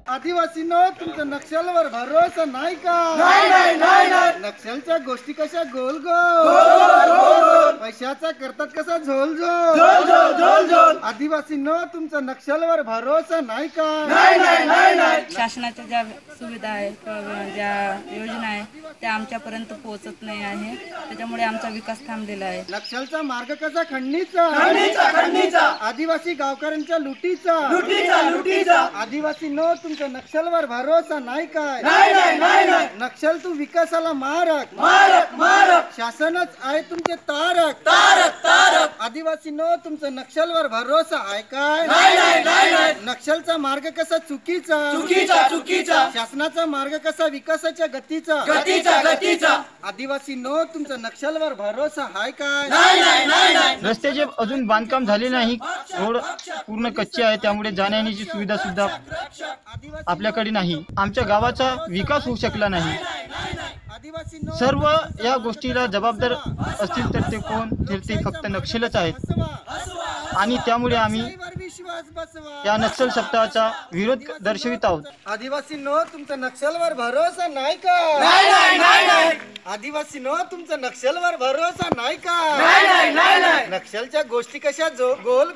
आदिवासींनो तुमचा नक्षलवर भरोसा नाही का? नक्षलच्या गोष्टी कशा गोल गोल, पैशाचा करतात कसा झोल झोल. आदिवासींनो तुमचा नक्षलवर भरोसा नाही का? शासनाच्या ज्या सुविधा आहेत किंवा ज्या योजना आहेत त्या आमच्यापर्यंत पोहोचत नाही आहे, त्याच्यामुळे आमचा विकास थांबलेला आहे. नक्षलचा मार्ग कसा खंडणीचा, आदिवासी गावकऱ्यांच्या लुटीचा. आदिवासींनो तुमचा नक्षलवर भरोसा नाही काय? नक्षल तू विकासाला मारक, शासनच आहे तुमचे तारक. आदिवासींनो तुमचा नक्षलवर भरोसा आहे काय? नक्षलचा मार्ग कसा चुकीचा, शासनाचा मार्ग कसा विकासाच्या गतीचा. आदिवासींनो तुमचा नक्षलवर भरोसा आहे काय? रस्त्याचे अजून बांधकाम झाले नाही, रोड पूर्ण कच्चे आहे, त्यामुळे जाण्यायेण्याची सुविधा सुद्धा आपल्याकडे नाही. आमच्या गावाचा विकास होऊ शकला नाही. सर्व या गोष्टीला जबाबदार असतील तर ते कोण, तर ते फक्त नक्षलच आहेत. आणि त्यामुळे आम्ही या नक्षल सप्ताहाचा विरोध दर्शवित आहोत. आदिवासींनो तुमचा नक्षलवर भरोसा नाही का? आदिवासींनो तुमचा नक्षलवर भरोसा नाही का? नक्षलच्या गोष्टी कशा गोल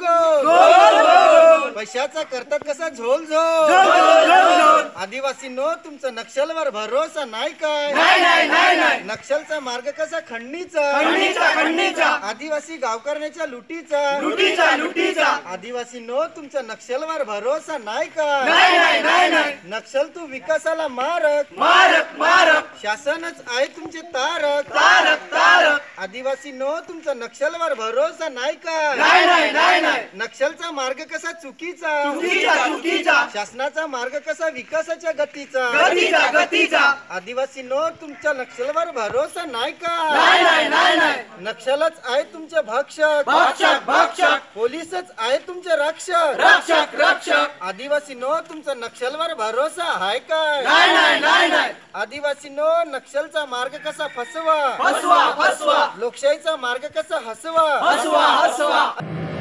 गोल, पैशाचा करतात कसा झोल झोल. आदिवासींनो तुमचा नक्षलवर भरोसा नाही काय? नक्षलचा मार्ग कसा खंडणीचा, आदिवासी गावकऱ्यांच्या लुटीचा. आदिवासींनो तुमचा नक्षलवर भरोसा नाही का? नक्षल तू विकासाला मारक, शासनच आहे तुमचे तारक. आदिवासींनो तुमचा नक्षलवर भरोसा नाही का? नक्षलचा मार्ग कसा चुकीचा, शासनाचा मार्ग कसा विकासाच्या गतीचा. आदिवासींनो तुमच्या नक्षलवर भरोसा नाही का? नक्षलच आहे तुमचे भक्षक, पोलीसच आहे तुमचे रक्षक. आदिवासींनो तुमचा नक्षलवर भरोसा आहे काय? आदिवासींनो नक्षलचा मार्ग कसा फसवा, लोकशाहीचा मार्ग कसा हसवा.